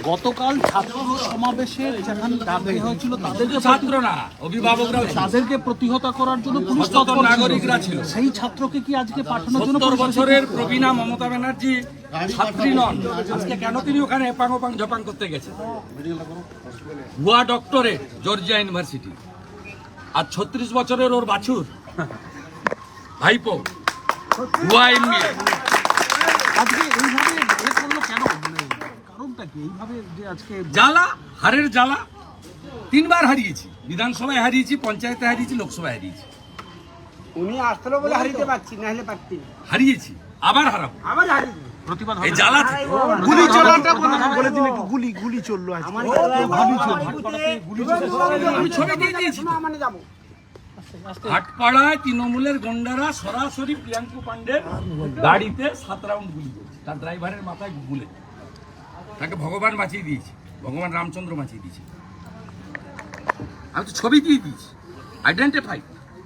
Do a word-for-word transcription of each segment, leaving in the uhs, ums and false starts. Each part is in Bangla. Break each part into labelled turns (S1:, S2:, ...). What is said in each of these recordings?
S1: গতকাল ছাত্র সমাবেশের যেখানে ডাকা হয়েছিল তাদেরকে
S2: ছাত্র না অভিভাবকরা
S1: তাদেরকে প্রতিহত করার জন্য পুলিশ
S2: তৎপর নাগরিকরা ছিল।
S1: সেই ছাত্রকে কি আজকে পাঠানোর জন্য
S2: সত্তর বছরের প্রবীণা মমতা ব্যানার্জি ছাত্রী নন, আজকে কেন তিনি ওখানে এপাং ওপাং জপাং করতে গেছেন? ভুয়া ডক্টরেট জর্জিয়া ইউনিভার্সিটি, আর ছত্রিশ বছরের ওর বাছুর ভাইপো ভুয়া এমবিএ।
S1: আজকে এইভাবে এ করলো কেন? মানে কারণটা কি এইভাবে যে আজকে
S2: জ্বালা, হারের জ্বালা। তিনবার হারিয়েছি, বিধানসভায় হারিয়েছি, পঞ্চায়েতে হারিয়েছি, লোকসভায় হারিয়েছি।
S3: উনি আসলো বলে হারিতে পারছি, না হলে পারতি না।
S2: হারিয়েছি, আবার হারাবো।
S3: আবার হারিয়ে
S1: প্রতিবাদ
S2: এই জ্বালা থেকে
S1: গুলি চলাটা বলে দিন একটু গুলি গুলি চললো আজকে গুলি চললো
S2: আমি ছবি দিয়ে দিয়েছি।
S3: মানে যাবো
S2: হাটপাড়ায় তৃণমূলের গন্ডারা সরাসরি প্রিয়াঙ্কু পান্ডের গাড়িতে সাত রাউন্ড গুলি করেছে, তার ড্রাইভারের মাথায় গুলে। তাকে ভগবান বাঁচিয়ে দিয়েছে, ভগবান রামচন্দ্র বাঁচিয়ে দিয়েছে। আমি তো ছবি দিয়ে দিয়েছি, আইডেন্টিফাই।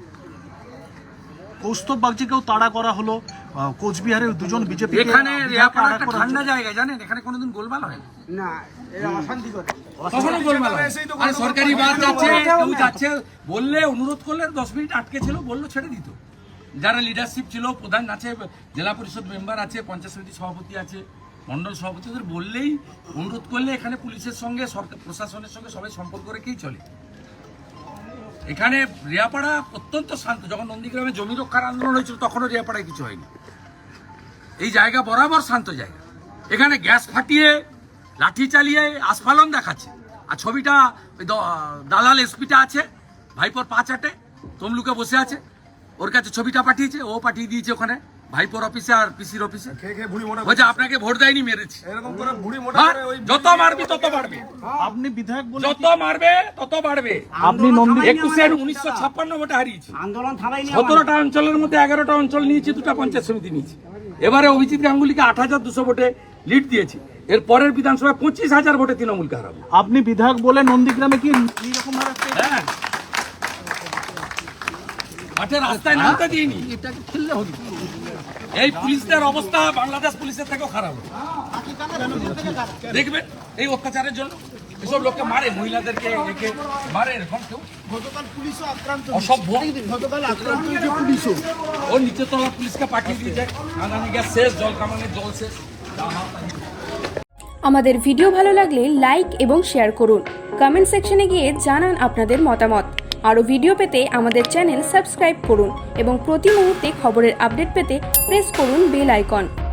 S1: কৌস্তব বাগচিকেও তাড়া করা হলো, কোচবিহারের দুজন বিজেপি
S2: এখানে রেয়াপাড়া একটা ঠান্ডা জায়গা, জানেন এখানে কোনোদিন গোলমাল হয় না।
S3: না, এরা অশান্তি করে।
S2: কখনো গোলমাল হয় না। আরে সরকারি বাস যাচ্ছে, কেউ যাচ্ছে বললে, অনুরোধ করলে দশ মিনিট আটকে ছিল, বললো ছেড়ে দিত। যারা লিডারশিপ ছিল, প্রধান আছে, জেলা পরিষদ মেম্বার আছে, পঞ্চায়েত সমিতি সভাপতি আছে, মন্ডল সভাপতি, ওদের বললেই, অনুরোধ করলে এখানে পুলিশের সঙ্গে সরকার প্রশাসনের সঙ্গে সবাই সম্পর্ক রেখেই চলে। এখানে রেয়াপাড়া অত্যন্ত শান্ত। যখন নন্দীগ্রামে জমি রক্ষার আন্দোলন হয়েছিল তখনও রেয়াপাড়ায় কিছু হয়নি। এই জায়গা বরাবর শান্ত জায়গা। এখানে গ্যাস ফাটিয়ে, লাঠি চালিয়ে আস্ফালন দেখাচ্ছে। আর ছবিটা ওই দালাল এসপিটা আছে, ভাইপোর পা চাটে তমলুকে বসে আছে, ওর কাছে ছবিটা পাঠিয়েছে, ও পাঠিয়ে দিয়েছে ওখানে ভাইপোর অফিসে আর পিসির অফিসে। বলছে আপনাকে ভোট দেয়নি, মেরেছি। যত মারবি তত বাড়বে।
S1: আপনি বিধায়ক বলে
S2: যত মারবে তত বাড়বে।
S1: আপনি নন্দী
S2: একুশের উনিশশো ছাপ্পান্ন ভোটে হারিয়েছি।
S3: আন্দোলন থামাইনি।
S2: সতেরোটা অঞ্চলের মধ্যে এগারোটা অঞ্চল নিয়েছি, দুটা পঞ্চায়েত সমিতি নিয়েছি। এবারে অভিজিৎ গাঙ্গুলিকে আট হাজার দুশো ভোটে লিড দিয়েছি। এর পরের বিধানসভায় পঁচিশ হাজার ভোটে তৃণমূলকে হারাবো।
S1: আপনি বিধায়ক বলে নন্দীগ্রামে কি এইরকম ভাবে
S2: হ্যাঁ, মাঠে রাস্তায় নামতে দিইনি।
S1: এটাকে খেললে হবে?
S2: এই পুলিশদের অবস্থা বাংলাদেশ পুলিশের থেকেও খারাপ হবে। দেখবেন এই অত্যাচারের জন্য এসব লোককে মারে, মহিলাদেরকে একে মারে, এরকম কেউ
S3: গতকাল পুলিশও আক্রান্ত।
S2: অসভ্য।
S3: গতকাল আক্রান্ত হয়েছে পুলিশও।
S2: ও নিচে তলা পুলিশকে পাঠিয়ে দিয়েছে, কাঁদানি গ্যাস শেষ, জল কামানের জল শেষ।
S4: আমাদের ভিডিও ভালো লাগলে লাইক এবং শেয়ার করুন। কমেন্ট সেকশনে গিয়ে জানান আপনাদের মতামত। আরও ভিডিও পেতে আমাদের চ্যানেল সাবস্ক্রাইব করুন এবং প্রতি মুহূর্তে খবরের আপডেট পেতে প্রেস করুন বেল আইকন।